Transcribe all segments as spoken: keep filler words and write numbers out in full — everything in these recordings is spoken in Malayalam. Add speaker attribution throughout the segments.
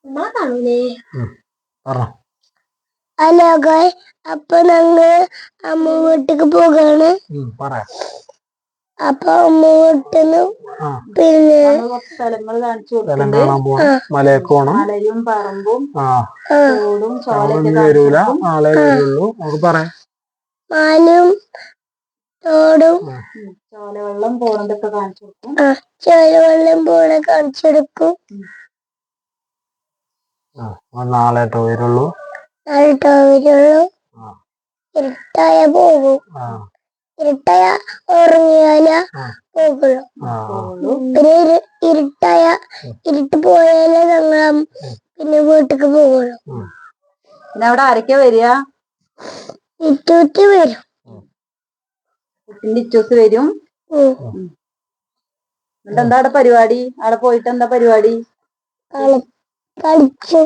Speaker 1: ഹലോ ഗായ്സ്, അപ്പൊ ഞങ്ങള് അമ്മ വീട്ടിക്ക് പോകാണ്. അപ്പൊ അമ്മ വീട്ടിന്ന് പിന്നെ
Speaker 2: സ്ഥലങ്ങൾ കാണിച്ചു കൊടുക്കുന്നുണ്ട്.
Speaker 3: മലയൊക്കെ പോണം,
Speaker 2: മലയും പറമ്പും തോടും
Speaker 3: വരൂല, നാളെ വരുള്ളൂ. നമുക്ക് പറയാം
Speaker 1: മാനും തോടും
Speaker 2: ചോലവെള്ളം പോണതൊക്കെ കാണിച്ചു കൊടുക്കും.
Speaker 1: ചോലവെള്ളം പോണ കാണിച്ചു കൊടുക്കും.
Speaker 3: നാളെട്ടോ വരുള്ളൂ,
Speaker 1: നാളെട്ടോ വരുള്ളൂ. ഇരുട്ടായ പോകും. ഇരുട്ടായ ഉറങ്ങിയാല പോകുള്ളൂ. പിന്നെ ഇരുട്ടായ ഇരുട്ട് പോയാലേ ഞങ്ങൾ പിന്നെ വീട്ടിക്ക് പോകുള്ളൂ.
Speaker 2: പിന്നെ അവിടെ ആരൊക്കെ വരിക?
Speaker 1: ഇറ്റൂറ്റി വരും.
Speaker 2: ഇറ്റൂസ് വരും. എന്നിട്ട് എന്താ അവിടെ പരിപാടി? അവിടെ പോയിട്ട് എന്താ പരിപാടി?
Speaker 1: കളിച്ചു.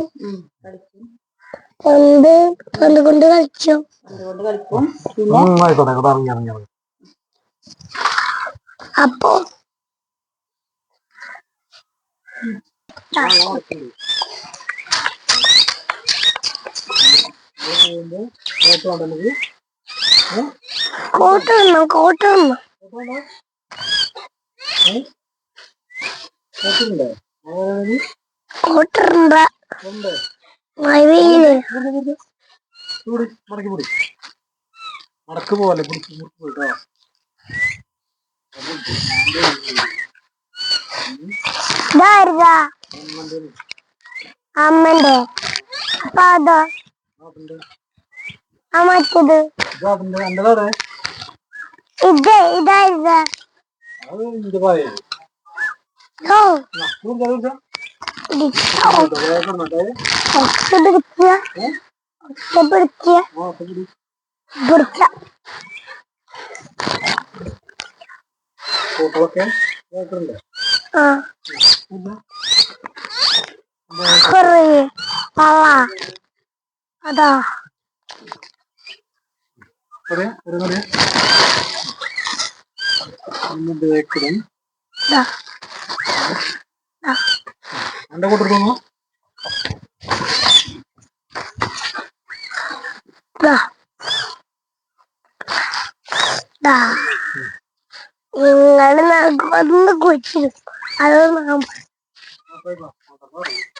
Speaker 1: പന്ത് പന്ത് കൊണ്ട് കളിച്ചു.
Speaker 2: പന്ത് കൊണ്ട് കളിക്കും. പിന്നെ
Speaker 1: അപ്പൊ കോട്ടൊന്നും കോട്ടൊന്നും കോട്ടറുണ്ട മഴയില്
Speaker 3: നടക്ക് പോലെ
Speaker 1: അമ്മന്റെ അപ്പൊ അതോ ആ മറ്റത് ഇത് ഇതായിരുന്ന അതാ
Speaker 3: എന്റെ കൂട്ടു
Speaker 1: നിങ്ങൾ ഒന്ന് കുഴിച്ചിരുന്നു. അത്